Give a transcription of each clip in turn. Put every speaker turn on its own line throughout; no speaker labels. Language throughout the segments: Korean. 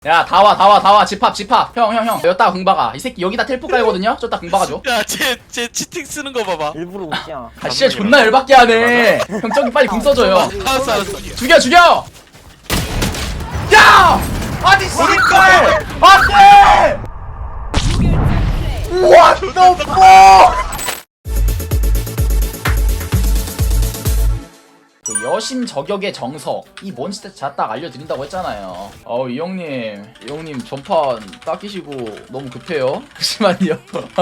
야, 다 와. 집합. 형. 여기다 궁박아. 이 새끼 여기다 텔포 깔거든요? 저기다 궁박아줘.
야, 쟤 치팅 쓰는 거 봐봐.
일부러 웃기야.
아, 진짜 존나 열받게 하네. 형, 저기 빨리 궁 써줘요.
알았어.
죽여! 야! 아니, 씨발! 안 돼! What the fuck! 그 여심 저격의 정석 이 뭔지 딱 알려드린다고 했잖아요. 이 형님 전판 닦이시고 너무 급해요. 잠시만요.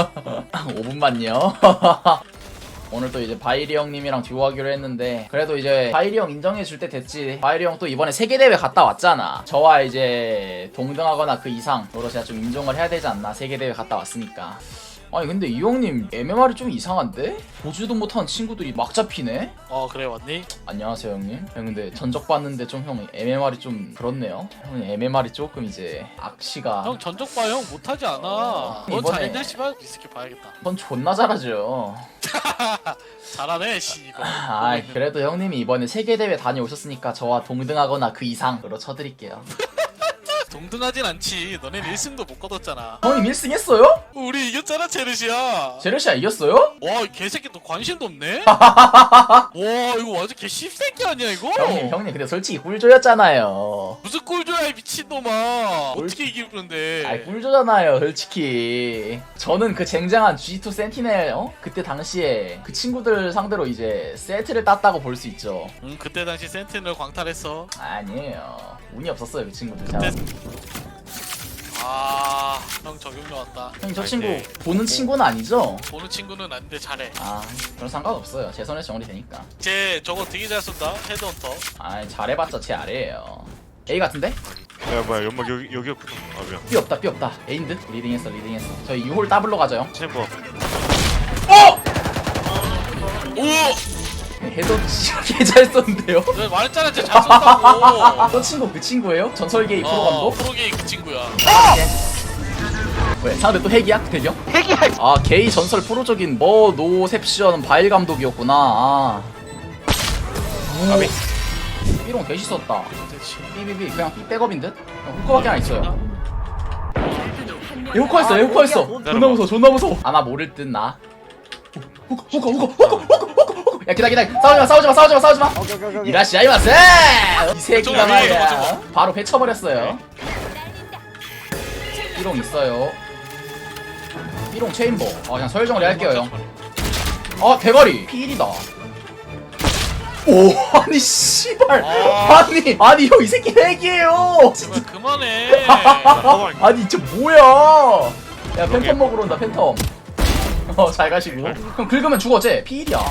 5분만요. 오늘 또 이제 바이리 형님이랑 듀오하기로 했는데 그래도 이제 바이리 형 인정해줄 때 됐지. 바이리 형 또 이번에 세계대회 갔다 왔잖아. 저와 이제 동등하거나 그 이상으로 제가 좀 인정을 해야 되지 않나. 세계대회 갔다 왔으니까. 아니 근데 이 형님 MMR이 좀 이상한데? 보지도 못한 친구들이 막 잡히네?
그래 왔니?
안녕하세요 형님. 형 근데 전적 봤는데 좀 형 MMR이 좀 그렇네요. 형님 MMR이 조금 이제 악시가
형 전적 봐, 형 못하지 않아. 넌
이번에-
잘했냐 씨발? 이 새끼 봐야겠다.
전 존나 잘하죠.
잘하네 씨 이거.
그래도 형님이 이번에 세계대회 다녀오셨으니까 저와 동등하거나 그 이상으로 쳐드릴게요.
동등하진 않지. 너넨 1승도 못 거뒀잖아.
형님 1승 했어요?
우리 이겼잖아 제르시야.
제르시아 이겼어요?
와, 이 개새끼 너 관심도 없네? 와, 이거 완전 개 씹새끼 아니야 이거?
형님 근데 솔직히 꿀조였잖아요.
무슨 꼴줘야 이 미친놈아. 어떻게 이기는데?
꿀조잖아요 솔직히. 저는 그 쟁쟁한 G2 센티넬 그때 당시에 그 친구들 상대로 이제 세트를 땄다고 볼 수 있죠.
응, 그때 당시 센티넬 광탈했어.
아니에요. 운이 없었어요 그 친구들.
그때 형 적용료 왔다.
형님 저 친구 보는 친구는 아니죠?
보는 친구는 아닌데 잘해.
그런 상관없어요. 제 손에 정리 되니까.
쟤 저거 되게 잘 쏜다. 헤드헌터.
잘해봤자 제 아래에요. A 같은데?
야 뭐야 연막 여기였구나. 아 미안.
B 없다. A인드? 리딩했어. 저희 6홀 더블로 가죠 형.
챔버.
오!
해도 개잘 썼는데요?
내가 말했잖아, 쟤 잘 쏜다고.
저 친구 그 친구예요? 전설계의 프로감독?
프로게이 그 친구야.
왜? 상대 또 핵이야? 대경? 핵이야! 게이 전설 프로적인 노셉션 바일 감독이었구나. 삐롱 개시 썼다. 삐삐삐 그냥 삐 백업인 듯? 후커밖에 안 있어요. 얘 후커 했어. 존나 무서워. 아마 모를 듯 나. 후커. 야 기다려. 싸우지 마.
오케이.
이라시아이 마세! 이 새끼가
저거
말이야.
저거.
바로 회쳐버렸어요. 삐롱 있어요. 삐롱 체인버. 그냥 서열정리 할게요 형. 대가리 필이다. 오 아니 씨발. 아니 형 이 새끼 핵이에요.
제발 그만해.
아니 진짜 뭐야. 야 팬텀 먹으러 온다 팬텀. 잘 가시고. 형 긁으면 죽어 쟤 필이야.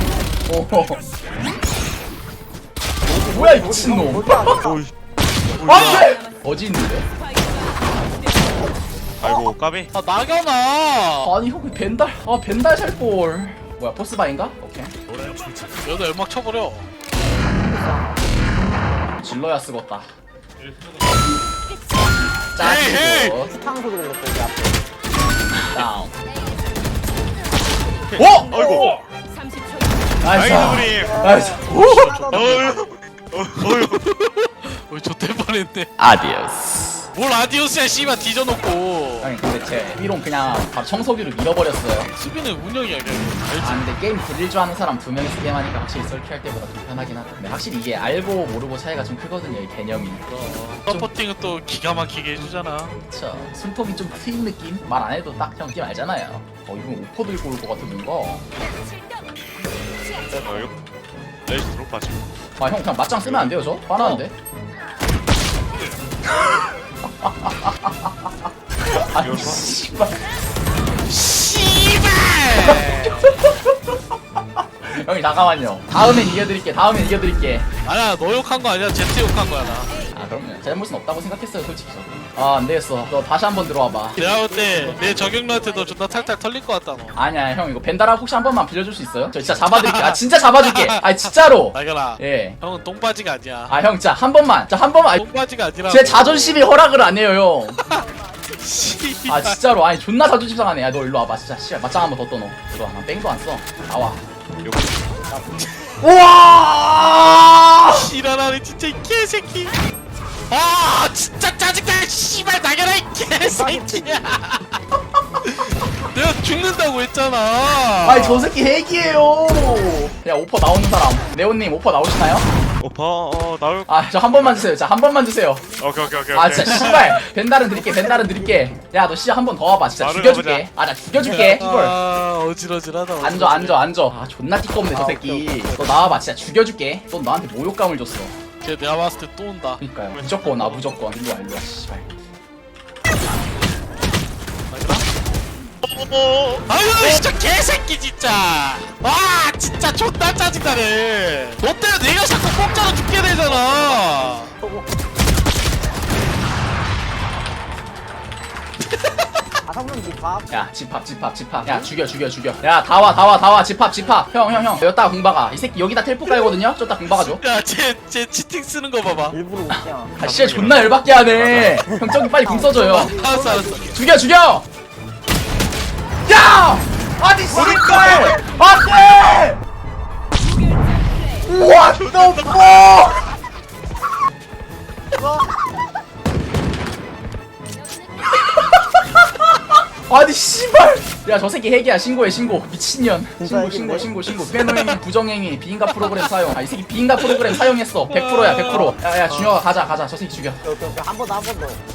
뭐야 이 미친놈.
오이.
안돼. 어디 있는데?
아이고 까비.
나경아.
아니 형 벤달 살볼. 뭐야 포스바인가? 오케이.
여기다 연막 쳐버려.
질러야 쓰겄다.
헤이!
짜치고
스탕 소리 들렸어 여기 앞에.
다운.
아이고.
나이스.
나이스
나이스.
우리 좆될 뻔했네.
아디오스.
뭘 아디오스야 씨발 뒤져놓고.
아니 근데 제 삐롱 그냥 바로 청소기로 밀어버렸어요.
수비는 운영이야 그냥. 알지?
근데 게임 딜릴 줄 아는 사람 2명이서 게임하니까 확실히 썰키할 때보다 좀 편하긴 하다. 근데 확실히 이게 알고 모르고 차이가 좀 크거든요 이 개념이.
서포팅은 또 기가 막히게 해주잖아.
그쵸. 숨통이 좀 트인 느낌? 말 안 해도 딱 형 게임 알잖아요. 이건 오퍼 들고 올 것 같은 뭔가.
아이고. 레이스 드롭 빠지.
형 그냥 맞짱 쓰면 안 돼요 저? 화나는데? 아니 씨발. 형이 잠깐만요. 다음엔 이겨드릴게.
아니야 너 욕한 거 아니야. 제트 욕한 거야 나.
그럼요. 잘못은 없다고 생각했어요 솔직히 저. 안되겠어. 너 다시 한번 들어와봐.
내가 볼 때 내 적용료한테 너 존나 탈탈 털릴 것 같다 너.
아니야 형 이거 벤다라 혹시 한 번만 빌려줄 수 있어요? 저 진짜 잡아드릴게. 진짜 잡아줄게. 진짜로.
나겨라.
예.
형은 똥바지가 아니야.
형 진짜 한 번만.
똥바지가 아니라.
제 자존심이 허락을 안 해요 형.
씨발.
진짜로. 존나 자존심 상하네. 너 일로 와봐 진짜. 씨발 맞짱 한번 더 떠넣어. 들어와. 난 뺑도 안 써. 나와. 우와!
일어나네 진짜 이 개새끼. 아 진짜 짜증나 씨발 나가라 이 개새끼야. 내가 죽는다고 했잖아.
아니 저 새끼 핵이에요. 야 오퍼 나오는 사람. 네온님 오퍼 나오시나요?
오빠 나올.
아 저 한 번만 주세요. 자 한 번만 주세요.
오케이.
아 진짜 씨발 벤달은 드릴게. 벤달은 드릴게. 야 너 씨야 한 번 더 와봐. 진짜
바로
죽여줄게. 아 나 죽여줄게. 이걸.
아 어지러지하다.
앉아. 아 존나 띠껍네 저 새끼. 너 나와봐. 진짜 죽여줄게. 넌 나한테 모욕감을 줬어.
걔 내가 봤을 때 또 온다.
그니까요. 무조건 와 무조건. 일로와 씨발.
아유 진짜 개새끼 진짜. 와 진짜 존나 짜증나네. 너 때문에 내가 자꾸 공짜로 죽게 되잖아.
아성분 집합.
야 집합. 야 죽여. 야 다 와 집합. 형. 여기다가 공박아. 이 새끼 여기다 텔포 깔거든요. 저기다 공박아줘.
야쟤 치팅 쓰는 거 봐봐.
일부러 웃겨.
아 진짜 존나 열받게 하네. 형 저기 빨리 궁 써줘요.
알았어.
죽여! 야! 아니 씨발! 안돼! What the fuck! 아니 씨발! 야 저 새끼 핵이야. 신고해. 미친년. 신고. 빼노행위 부정행위 비인가 프로그램 사용. 아 이 새끼 비인가 프로그램 사용했어. 100%야 100%. 야야 준혁아 가자. 저 새끼 죽여.
한번 더.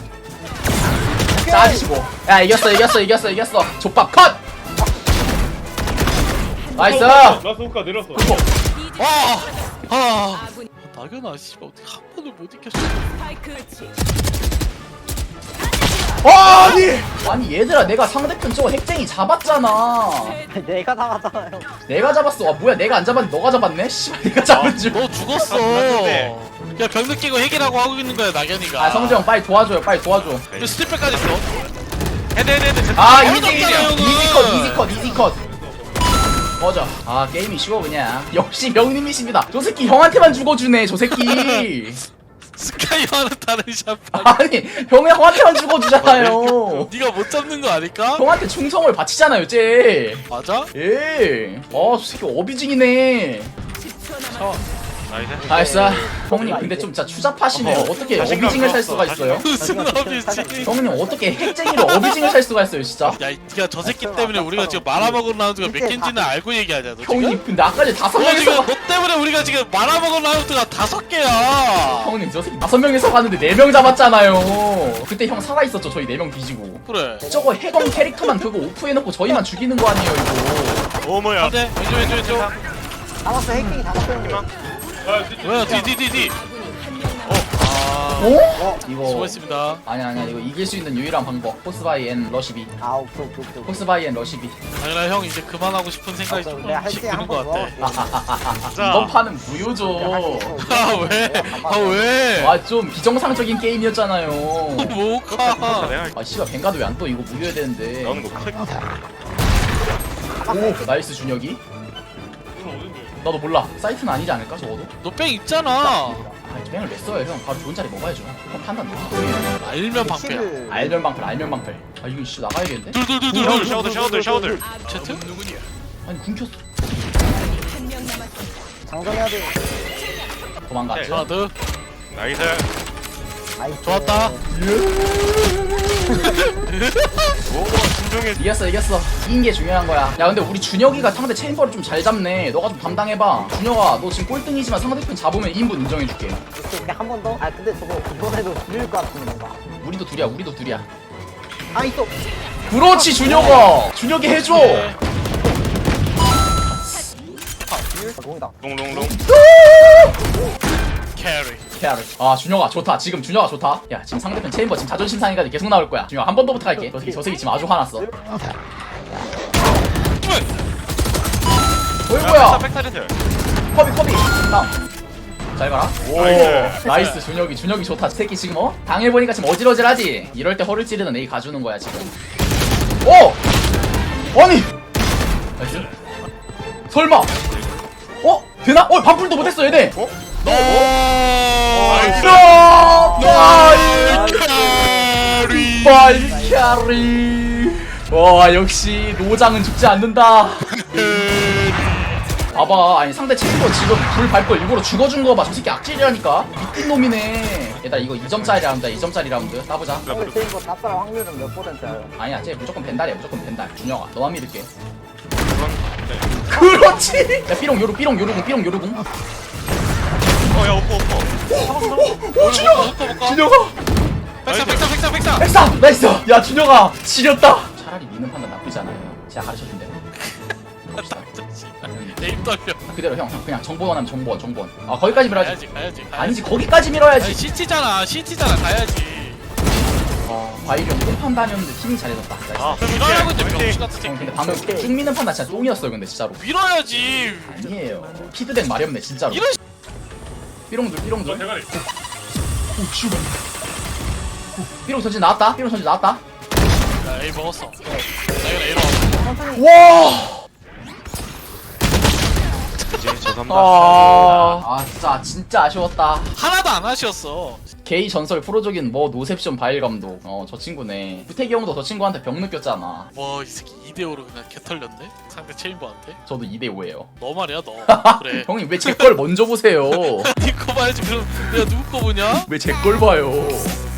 짜지시고. 야 이겼어. 족밥 컷! 나이스!
라스 호카 내렸어.
나경아 씨발 어떻게 한 번을 못 이겼어.
아니 얘들아 내가 상대편 저거 핵쟁이 잡았잖아.
내가 나갔잖아요.
내가 잡았어. 아 뭐야 내가 안 잡았는데 너가 잡았네? 씨발 내가 잡은 줄.
너 죽었어. 야 병 느끼고 핵이라고 하고 있는 거야 나경이가.
아 성재형 빨리 도와줘요.
왜 스틸백까지 있어?
헤드.
아
어렵잖아, 형은.
이지 컷. 꺼져. 아 게임이 쉬워 그냥. 역시 명님이십니다. 저 새끼 형한테만 죽어주네 저 새끼.
스카이와는 다른 샷판.
아니 형한테만 죽어주잖아요.
네가 못 잡는 거 아닐까?
형한테 충성을 바치잖아요 쟤.
맞아?
예. 저 새끼 어비징이네.
나이스.
나이스. 형님 근데 좀 진짜 추잡하시네요. 어떻게
자신감
어비징을 살
없어,
수가 있어요?
무슨 어비지?
형님 어떻게 핵쟁이로 어비징을 살 수가 있어요 진짜?
야, 니가 저 새끼 때문에 우리가 지금 말아먹은 라운드가 몇 개인지는 알고 얘기하자. 너 지금?
형님 근데 아까 전에 5명이서
지금 너 때문에 우리가 지금 말아먹은 라운드가 5개야.
형님 저 새끼 5명이서 갔는데 4명 잡았잖아요. 그때 형 살아있었죠. 저희 4명 뒤지고.
그래.
저거 해검 캐릭터만 그거 오프해놓고 저희만 죽이는 거 아니에요 이거.
오모야.
안돼. 왼쪽.
잡았어. 해킹이 잡았어요.
뭐야? 뒤.
어? 이거
수고했습니다.
아니야 이거 이길 수 있는 유일한 방법. 포스바이 앤 러시비.
아 오케이.
포스바이 앤 러시비.
당연히 형 이제 그만하고 싶은 생각이
내가 할
조금씩
때
드는 것
한번
같아.
자.
이번 판은 무효죠.
아 왜?
아 좀 비정상적인 게임이었잖아요.
뭐가?
내가
아 씨발 뱅가드 왜 안 떠? 이거 무효해야 되는데.
나오는 거 클릭.
오 나이스 준혁이. 나도 몰라. 사이트는 아니지 않을까 적어도?
너 뺑 있잖아.
아 뱅을 왜 써요 형? 바로 좋은 자리 먹어야죠. 형 판단 너무 또해요.
알면 방패야.
알면 방패. 아 이거 씨 나가야겠는데?
둘.
샤워들.
채트?
아니 궁켰어.
장전해야 돼.
도망갔죠?
하나 더.
나이스.
나이스.
좋았다.
오 진정해.
이겼어. 이긴 게 중요한 거야. 야 근데 우리 준혁이가 상대 체인버를 좀 잘 잡네. 너가 좀 담당해봐. 준혁아 너 지금 꼴등이지만 상대편 잡으면 2인분 인정해줄게.
오케이 한번 더. 아 근데 저거 이번에도 줄일 것 같은 건가?
우리도 둘이야.
아 있어.
그렇지 준혁아. 준혁이 해줘.
공이다.
롱롱롱.
캐리.
케아를. 아 준혁아 좋다. 지금 준혁아 좋다. 야 지금 상대편 체인버 지금 자존심 상해가지고 계속 나올 거야. 준혁아 한 번 더 부탁할게. 저 새끼 지금 아주 화났어. 어이구야.
백사이드.
커비. 다음. 잘 가라. 오
나이스.
나이스 준혁이 좋다. 새끼 지금 당해보니까 지금 어질어질하지. 이럴 때 허를 찌르는 A 가주는 거야 지금. 아니 나이스. 설마 되나? 반풀도 못했어 얘네. 발캐리. 와 역시 노장은 죽지 않는다. 봐봐 아니 상대 체인버 지금 불 밟고 일부러 죽어준 거 봐. 저 새끼 악질이라니까. 미친 놈이네. 얘들아 이거 2점짜리 라운드야 2점짜리 라운드 따보자.
근데 쟤 이거 답살 확률은 몇 %예요?
아니야 쟤 무조건 벤달이야 무조건 벤달. 준혁아 너만 믿을게.
그건 네.
그렇지. 야 삐롱 요루 삐롱 요루궁 삐롱 요루궁.
어야 오퍼 오퍼.
준혁아.
백사.
백사 나이스. 야 준혁아 지렸다. 차라리 미는 판단 나쁘지 않아요. 제가 가르쳐준 대로.
내입 떨려.
그대로 형 그냥 정보원 하면 정보원. 아 거기까지 밀어야지.
가야지.
아니지 거기까지 밀어야지.
아니 CT잖아 가야지.
바이리언 똥 판단이었는데 팀이 잘해줬다. 나이스.
아
밀어라고 했는데 병신 같은
형
새끼.
근데 방금 쭉 미는 판단 진짜 똥이었어요 근데 진짜로.
밀어야지.
아니에요. 피드백 말이 없네 진짜로.
이런
삐롱들 삐롱들.
대가리.
삐롱 전진 나왔다. 삐롱 전진 나왔다.
야 A 먹었어. 나 이거 A로.
와.
이제 죄송합니다.
진짜 아쉬웠다.
하나도 안 아쉬웠어.
게이 전설 프로적인 뭐 노셉션 바일 감독. 저 친구네. 구태기 형도 저 친구한테 병 느꼈잖아.
와 이 새끼 2대5로 그냥 개털렸네? 상대 체인버한테?
저도 2대5예요.
너 말이야 너. 그래.
형님 왜 제 걸 먼저 보세요?
니거 봐야지. 그럼 내가 누구 거 보냐?
왜 제 걸 봐요?